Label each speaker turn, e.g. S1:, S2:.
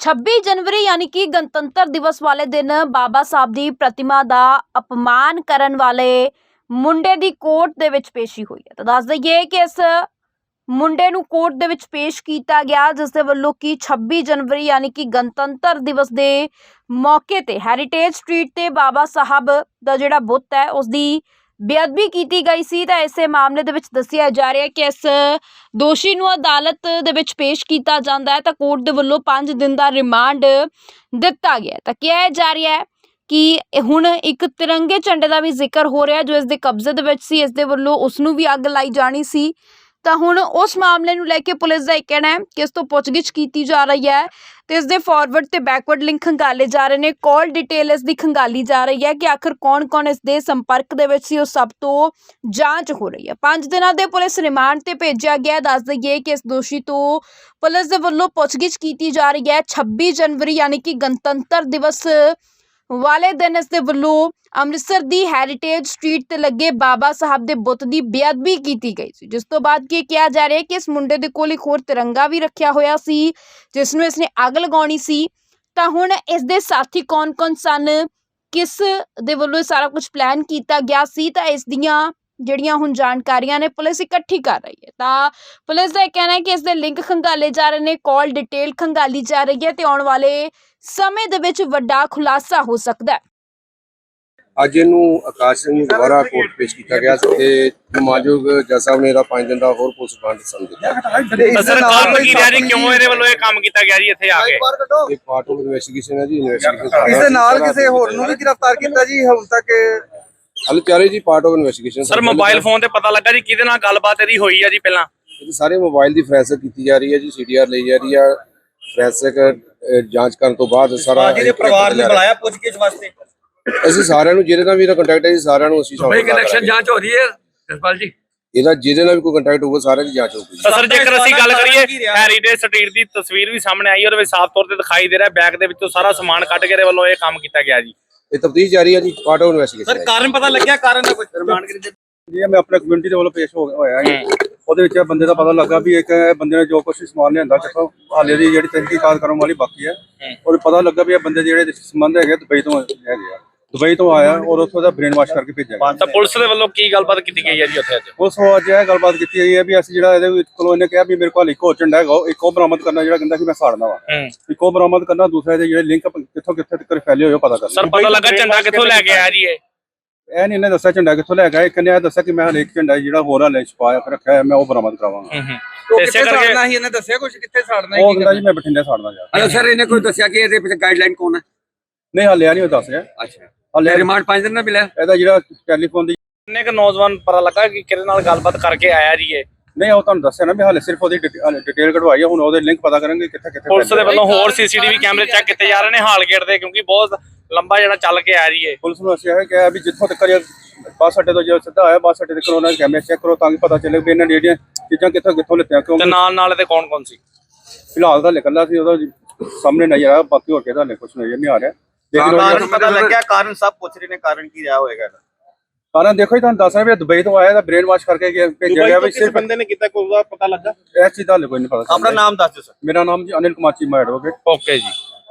S1: 26 जनवरी यानी कि गणतंत्र दिवस वाले दिन बाबा साहब ਦੀ प्रतिमा ਦਾ अपमान ਕਰਨ ਵਾਲੇ ਮੁੰਡੇ ਦੀ ਕੋਰਟ ਦੇ ਵਿੱਚ ਪੇਸ਼ੀ ਹੋਈ ਹੈ। ਤਾਂ ਦੱਸ ਦਈਏ ਕਿ ਇਸ ਮੁੰਡੇ ਨੂੰ ਕੋਰਟ ਦੇ ਵਿੱਚ ਪੇਸ਼ ਕੀਤਾ ਗਿਆ, ਜਿਸ ਦੇ ਵੱਲੋਂ ਕਿ 26 ਜਨਵਰੀ यानी कि ਗਣਤੰਤਰ ਦਿਵਸ ਦੇ ਮੌਕੇ ਤੇ ਹੈਰੀਟੇਜ ਸਟਰੀਟ ਤੇ ਬਾਬਾ ਸਾਹਿਬ ਦਾ ਜਿਹੜਾ ਬੁੱਤ ਹੈ ਉਸ ਦੀ ਬੇਅਦਬੀ ਕੀਤੀ ਗਈ ਸੀ। ਤਾਂ ਇਸੇ ਮਾਮਲੇ ਦੇ ਵਿੱਚ ਦੱਸਿਆ ਜਾ ਰਿਹਾ ਹੈ ਕਿ ਇਸ ਦੋਸ਼ੀ ਨੂੰ ਅਦਾਲਤ ਦੇ ਵਿੱਚ ਪੇਸ਼ ਕੀਤਾ ਜਾਂਦਾ ਹੈ ਤਾਂ ਕੋਰਟ ਦੇ ਵੱਲੋਂ 5 ਦਿਨ ਦਾ ਰਿਮਾਂਡ ਦਿੱਤਾ ਗਿਆ। ਤਾਂ ਕਿਹਾ ਜਾ ਰਿਹਾ ਹੈ ਕਿ ਹੁਣ ਇੱਕ ਤਿਰੰਗੇ ਝੰਡੇ ਦਾ ਵੀ ਜ਼ਿਕਰ ਹੋ ਰਿਹਾ ਜੋ ਇਸ ਦੇ ਕਬਜ਼ੇ ਦੇ ਵਿੱਚ ਸੀ, ਇਸ ਦੇ ਵੱਲੋਂ ਉਸ ਨੂੰ ਵੀ ਅੱਗ ਲਾਈ ਜਾਣੀ ਸੀ। ਤਾਂ ਹੁਣ ਉਸ ਮਾਮਲੇ ਨੂੰ ਲੈ ਕੇ ਪੁਲਿਸ ਦਾ ਇਹ ਕਹਿਣਾ ਹੈ ਕਿ ਇਸ ਤੋਂ ਪੁੱਛਗਿੱਛ ਕੀਤੀ ਜਾ ਰਹੀ ਹੈ ਤੇ ਇਸ ਦੇ ਫਾਰਵਰਡ ਤੇ ਬੈਕਵਰਡ ਲਿੰਕ ਖੰਗਾਲੇ ਜਾ ਰਹੇ ਨੇ। ਕਾਲ ਡਿਟੇਲ ਇਸ ਦੀ ਖੰਗਾਲੀ ਜਾ ਰਹੀ ਹੈ ਕਿ ਆਖਰ ਕੌਣ-ਕੌਣ ਇਸ ਦੇ ਸੰਪਰਕ ਦੇ ਵਿੱਚ ਸੀ, ਉਹ ਸਭ ਤੋਂ ਜਾਂਚ ਹੋ ਰਹੀ ਹੈ। 5 ਦਿਨਾਂ ਦੇ ਪੁਲਿਸ ਰਿਮਾਂਡ ਤੇ ਭੇਜਿਆ ਗਿਆ। ਦੱਸ ਦਈਏ ਕਿ ਇਸ ਦੋਸ਼ੀ ਤੋਂ ਪੁਲਿਸ ਦੇ ਵੱਲੋਂ ਪੁੱਛਗਿੱਛ ਕੀਤੀ ਜਾ ਰਹੀ ਹੈ। 26 ਜਨਵਰੀ यानी कि ਗਣਤੰਤਰ ਦਿਵਸ ਵਾਲੇ ਦਿਨ ਇਸ ਦੇ ਵੱਲੋਂ ਅੰਮ੍ਰਿਤਸਰ ਦੀ ਹੈਰੀਟੇਜ ਸਟਰੀਟ ਤੇ ਲੱਗੇ ਬਾਬਾ ਸਾਹਿਬ ਦੇ ਬੁੱਤ ਦੀ ਬੇਅਦਬੀ ਕੀਤੀ ਗਈ ਸੀ, ਜਿਸ ਤੋਂ ਬਾਅਦ ਕੀ ਕਿਹਾ ਜਾ ਰਿਹਾ ਹੈ ਕਿ ਇਸ ਮੁੰਡੇ ਦੇ ਕੋਲ ਇੱਕ ਹੋਰ ਤਿਰੰਗਾ ਵੀ ਰੱਖਿਆ ਹੋਇਆ ਸੀ ਜਿਸ ਨੂੰ ਇਸਨੇ ਅੱਗ ਲਗਾਉਣੀ ਸੀ। ਤਾਂ ਹੁਣ ਇਸ ਦੇ ਸਾਥੀ ਕੌਣ-ਕੌਣ ਸਨ, ਕਿਸ ਦੇ ਵੱਲੋਂ ਇਹ ਸਾਰਾ ਕੁਝ ਪਲਾਨ ਕੀਤਾ ਗਿਆ ਸੀ, ਤਾਂ ਇਸ ਦੀਆਂ ਜਿਹੜੀਆਂ ਹੁਣ ਜਾਣਕਾਰੀਆਂ ਨੇ ਪੁਲਿਸ ਇਕੱਠੀ ਕਰ ਰਹੀ ਹੈ। ਤਾਂ ਪੁਲਿਸ ਦਾ ਇਹ ਕਹਿਣਾ ਹੈ ਕਿ ਇਸ ਦੇ ਲਿੰਕ ਖੰਗਾਲੇ ਜਾ ਰਹੇ ਨੇ, ਕਾਲ ਡਿਟੇਲ ਖੰਗਾਲੀ ਜਾ ਰਹੀ ਹੈ ਤੇ ਆਉਣ ਵਾਲੇ ਸਮੇਂ ਦੇ ਵਿੱਚ ਵੱਡਾ ਖੁਲਾਸਾ ਹੋ ਸਕਦਾ ਹੈ।
S2: ਅੱਜ ਇਹਨੂੰ ਆਕਾਸ਼ ਸਿੰਘ ਨੂੰ ਦੁਬਾਰਾ ਕੋਰਟ ਪੇਸ਼ ਕੀਤਾ ਗਿਆ ਤੇ ਮਾਨਯੋਗ ਜੱਜ ਸਾਹਿਬ ਨੇ ਇਹਦਾ 5 ਦਿਨ ਦਾ ਹੋਰ ਪੁਲਿਸ ਰਿਮਾਂਡ ਸੰਦ ਦਿੱਤਾ।
S3: ਸਰ ਕਾਰਨ ਕੀ ਰਿਹਾ ਜੀ, ਕਿਉਂ ਇਹਦੇ ਵੱਲੋਂ ਇਹ ਕੰਮ ਕੀਤਾ ਗਿਆ ਜੀ ਇੱਥੇ ਆ ਕੇ?
S2: ਇਹ ਪਾਰਟ ਆਫ ਇਨਵੈਸਟੀਗੇਸ਼ਨ ਹੈ ਜੀ। ਇਨਵੈਸਟੀਗੇਸ਼ਨ
S4: ਇਸ ਦੇ ਨਾਲ ਕਿਸੇ ਹੋਰ ਨੂੰ ਵੀ ਗ੍ਰਿਫਤਾਰ ਕੀਤਾ ਜੀ ਹੁਣ ਤੱਕ?
S2: ਹਲ ਚਾਰੇ ਜੀ part of investigation.
S3: Sir mobile phone ਤੇ ਪਤਾ ਲੱਗਾ ਜੀ ਕਿਹਦੇ ਨਾਲ ਗੱਲਬਾਤ ਇਹਦੀ ਹੋਈ ਆ ਜੀ ਪਹਿਲਾਂ?
S2: ਇਹ ਸਾਰੇ ਮੋਬਾਈਲ ਦੀ ਫੋਰੈਂਸਿਕ ਕੀਤੀ ਜਾ ਰਹੀ ਹੈ ਜੀ, ਸੀਡੀਆਰ ਲਈ ਜਾ ਰਹੀ ਹੈ। ਫੋਰੈਂਸਿਕ ਜਾਂਚ ਕਰਨ ਤੋਂ ਬਾਅਦ ਸਾਰਾ
S4: ਜਿਹਦੇ ਪਰਿਵਾਰ ਨੇ ਬੁਲਾਇਆ ਪੁੱਛਗਿੱਛ ਵਾਸਤੇ
S2: ਅਸੀਂ ਸਾਰਿਆਂ ਨੂੰ ਜਿਹਦੇ ਨਾਲ ਵੀ ਇਹਦਾ ਕੰਟੈਕਟ ਹੈ ਜੀ ਸਾਰਿਆਂ ਨੂੰ ਅਸੀਂ
S5: ਭਾਈ ਕਨੈਕਸ਼ਨ ਜਾਂਚ ਹੋ ਰਹੀ ਹੈ ਜਸਪਾਲ ਜੀ।
S2: ਇਹਦਾ ਜਿਹਦੇ ਨਾਲ ਵੀ ਕੋਈ ਕੰਟੈਕਟ ਹੋਊਗਾ ਸਾਰਿਆਂ ਦੀ ਜਾਂਚ ਹੋਊਗੀ।
S3: ਸਰ ਜੇਕਰ ਅਸੀਂ ਗੱਲ ਕਰੀਏ ਹੈਰੀਟੇਜ ਸਟਰੀਟ ਦੀ ਤਸਵੀਰ ਵੀ ਸਾਹਮਣੇ ਆਈ, ਉਹਦੇ ਵਿੱਚ ਸਾਫ਼ ਤੌਰ ਤੇ ਦਿਖਾਈ ਦੇ ਰਿਹਾ ਬੈਗ ਦੇ ਵਿੱਚੋਂ ਸਾਰਾ ਸਮਾਨ ਕੱਢ ਕੇ ਇਹਦੇ ਵੱਲੋਂ ਇਹ ਕੰਮ ਕੀਤਾ ਗਿਆ ਜੀ।
S2: ਇਹ ਤਫਤੀਸ਼ ਜਾਰੀ ਹੈ ਜੀ, ਪਾਰਟ ਆਫ ਇਨਵੈਸਟੀਗੇਸ਼ਨ।
S4: ਸਰ ਕਾਰਨ ਪਤਾ ਲੱਗਿਆ? ਕਾਰਨ ਦਾ ਕੁਝ ਰਿਮਾਂਡ
S5: ਜੀ
S4: ਮੈਂ ਆਪਣੇ ਕਮਿਊਨਿਟੀ ਦੇ ਵੱਲੋਂ ਪੇਸ਼ ਹੋਇਆ ਹੈ। ਉਹਦੇ ਵਿੱਚ ਬੰਦੇ ਦਾ ਪਤਾ ਲੱਗਾ ਵੀ ਇੱਕ ਬੰਦੇ ਨੇ ਜੋ ਕੁਝ ਸਮਾਨ ਲਿਆਂਦਾ ਕਿਥੋਂ, ਹਾਲੇ ਦੀ ਜਿਹੜੀ ਤਹਿਕੀਕਾਤ ਕਰਨ ਵਾਲੀ ਬਾਕੀ ਹੈ। ਔਰ ਪਤਾ ਲੱਗਾ ਵੀ ਇਹ ਬੰਦੇ ਜਿਹੜੇ ਸੰਬੰਧ ਹੈਗੇ ਦੁਬਈ ਤੋਂ ਹੈਗੇ ਆ, ਦੁਬਈ ਤੋਂ ਆਇਆ ਔਰ ਉੱਥੋਂ ਦਾ ਬ੍ਰੇਨ ਵਾਸ਼ ਕਰਕੇ ਭੇਜਿਆ ਗਿਆ।
S3: ਤਾਂ ਪੁਲਿਸ ਦੇ ਵੱਲੋਂ ਕੀ ਗੱਲਬਾਤ ਕੀਤੀ ਗਈ ਹੈ ਜੀ ਉੱਥੇ ਅੱਜ?
S4: ਉਸ ਤੋਂ ਅੱਜ ਇਹ ਗੱਲਬਾਤ ਕੀਤੀ ਗਈ ਹੈ ਵੀ ਅਸੀਂ ਜਿਹੜਾ ਇਹਦੇ ਵਿੱਚ ਕੋਲੋਂ ਇਹਨੇ ਕਿਹਾ ਵੀ ਮੇਰੇ ਕੋਲ ਇੱਕ ਹੋਰ ਝੰਡਾ ਹੈਗਾ, ਇੱਕ ਉਹ ਬਰਾਮਦ ਕਰਨਾ ਜਿਹੜਾ ਕਹਿੰਦਾ ਕਿ ਮੈਂ ਸਾੜਨਾ ਵਾ, ਇੱਕ ਉਹ ਬਰਾਮਦ ਕਰਨਾ, ਦੂਸਰਾ ਇਹਦੇ ਜਿਹੜੇ ਲਿੰਕ ਕਿੱਥੋਂ ਕਿੱਥੇ ਤੱਕ ਫੈਲੇ ਹੋਏ ਪਤਾ ਕਰਨਾ।
S3: ਸਰ ਪਤਾ ਲੱਗਾ ਝੰਡਾ ਕਿੱਥੋਂ ਲੈ ਕੇ ਆਇਆ ਜੀ?
S4: ਇਹ ਨਹੀਂ ਇਹਨੇ ਦੱਸਿਆ ਝੰਡਾ ਕਿੱਥੋਂ ਲੈ ਕੇ ਆਇਆ। ਇੱਕ ਨੇ ਇਹ ਦੱਸਿਆ ਕਿ ਮੈਂ ਹਰੇਕ ਝੰਡਾ ਜਿਹੜਾ ਹੋਰ ਹਾਲੇ ਛਪਾਇਆ ਰੱਖਿਆ ਹੈ ਮੈਂ ਉਹ ਬਰਾਮਦ ਕਰਾਵਾਂਗਾ।
S5: ਇਸੇ ਕਰਕੇ ਹੀ ਇਹਨੇ ਦੱਸਿਆ ਕੁਝ ਕਿੱਥੇ ਸਾੜਨਾ
S4: ਉਹ ਕਹਿੰਦਾ ਜੀ ਮੈਂ ਬਠਿੰਡੇ ਸਾੜਨਾ ਜਾ।
S5: ਅੱਛਾ ਸਰ, ਇਹਨੇ ਕੋਈ ਦੱਸਿਆ ਕਿ ਇਹਦੇ ਪਿੱਛੇ ਗਾਈਡਲਾਈਨ ਕੌਣ ਹੈ?
S4: ਨਹੀਂ ਹਾਲੇ ਨਹੀਂ ਉਹ ਦੱਸ ਰਿਹਾ।
S5: ਅੱਛਾ,
S4: ਹਾਲੇ
S5: ਰਿਮਾਂਡ 5 ਦਿਨ ਦਾ ਮਿਲਿਆ।
S4: ਇਹਦਾ ਜਿਹੜਾ ਟੈਲੀਫੋਨ ਦੀ
S3: ਕਿੰਨੇ ਕੁ ਨੌਜਵਾਨ ਪਤਾ ਲੱਗਾ ਕਿ ਕਿਹਦੇ ਨਾਲ ਗੱਲਬਾਤ ਕਰਕੇ ਆਇਆ ਜੀ ਇਹ?
S4: ਨਹੀਂ ਉਹ ਤੁਹਾਨੂੰ ਦੱਸਿਆ ਨਾ ਵੀ ਹਾਲੇ ਸਿਰਫ ਉਹਦੀ ਡਿਟੇਲ ਕਢਵਾਈ ਹੈ। ਹੁਣ ਉਹਦੇ ਲਿੰਕ ਪਤਾ ਕਰਾਂਗੇ ਕਿੱਥੇ ਕਿੱਥੇ।
S3: ਪੁਲਿਸ ਦੇ ਵੱਲੋਂ ਹੋਰ ਸੀਸੀਟੀਵੀ ਕੈਮਰੇ ਚੈੱਕ ਕੀਤੇ ਜਾ ਰਹੇ ਨੇ ਹਾਲ ਗੇਟ ਦੇ, ਕਿਉਂਕਿ ਬਹੁਤ ਲੰਬਾ ਜਿਹੜਾ ਚੱਲ ਕੇ ਆ ਰਹੀ ਹੈ।
S4: ਪੁਲਿਸ ਨੂੰ ਅਸੀਂ ਇਹ ਕਿਹਾ ਵੀ ਜਿੱਥੋਂ ਤੱਕ ਬੱਸ ਅੱਡੇ ਤੋਂ ਜੇ ਸਿੱਧਾ ਆਇਆ ਬੱਸ ਅੱਡੇ ਤੱਕ ਉਹਨਾਂ ਦੇ ਕੈਮਰੇ ਚੈੱਕ ਕਰੋ ਤਾਂ ਕਿ ਪਤਾ ਚੱਲੇ ਵੀ ਇਹਨਾਂ ਨੇ ਜਿਹੜੀਆਂ ਚੀਜ਼ਾਂ ਕਿੱਥੋਂ ਲਿੱਤੀਆਂ।
S3: ਤੇ
S4: ਕਿਉਂਕਿ
S3: ਨਾਲ ਇਹਦੇ ਕੌਣ ਸੀ?
S4: ਫਿਲਹਾਲ ਤਾਂ ਨਿਕਲਦਾ ਸੀ ਉਹਦਾ ਸਾਹਮਣੇ ਨਜ਼ਰ ਆਇਆ, ਬਾਕੀ ਹੋਰ ਕਿਹਦਾ ਕੁਝ ਨਜ਼ਰ ਨਹੀਂ ਆ ਰਿਹਾ।
S6: ਕਾਰਨ ਪਤਾ ਲੱਗਿਆ? ਕਾਰਨ ਸਭ ਪੁੱਛ ਰਹੇ ਨੇ ਕਾਰਨ ਕੀ ਰਿਹਾ ਹੋਏਗਾ?
S4: ਕਾਰਨ ਦੇਖੋ ਜੀ ਤੁਹਾਨੂੰ ਦੱਸ ਰਿਹਾ ਵੀ ਦੁਬਈ ਤੋਂ ਆਇਆ ਤਾਂ ਬ੍ਰੇਨ ਵਾਸ਼ ਕਰਕੇ ਭੇਜਿਆ ਗਿਆ। ਵੀ ਸਿਰਫ
S6: ਬੰਦੇ ਨੇ ਕੀਤਾ ਕੋਈ ਪਤਾ ਲੱਗਾ?
S4: ਇਸ ਚੀਜ਼ ਦਾ ਕੋਈ ਨਹੀਂ ਪਤਾ।
S6: ਆਪਣਾ ਨਾਮ ਦੱਸ ਦਿਓ ਸਰ।
S4: ਮੇਰਾ ਨਾਮ ਜੀ ਅਨਿਲ ਕੁਮਾਰ ਚੀਮਾ ਐਡਵੋਕੇਟ।
S3: ਓਕੇ ਜੀ।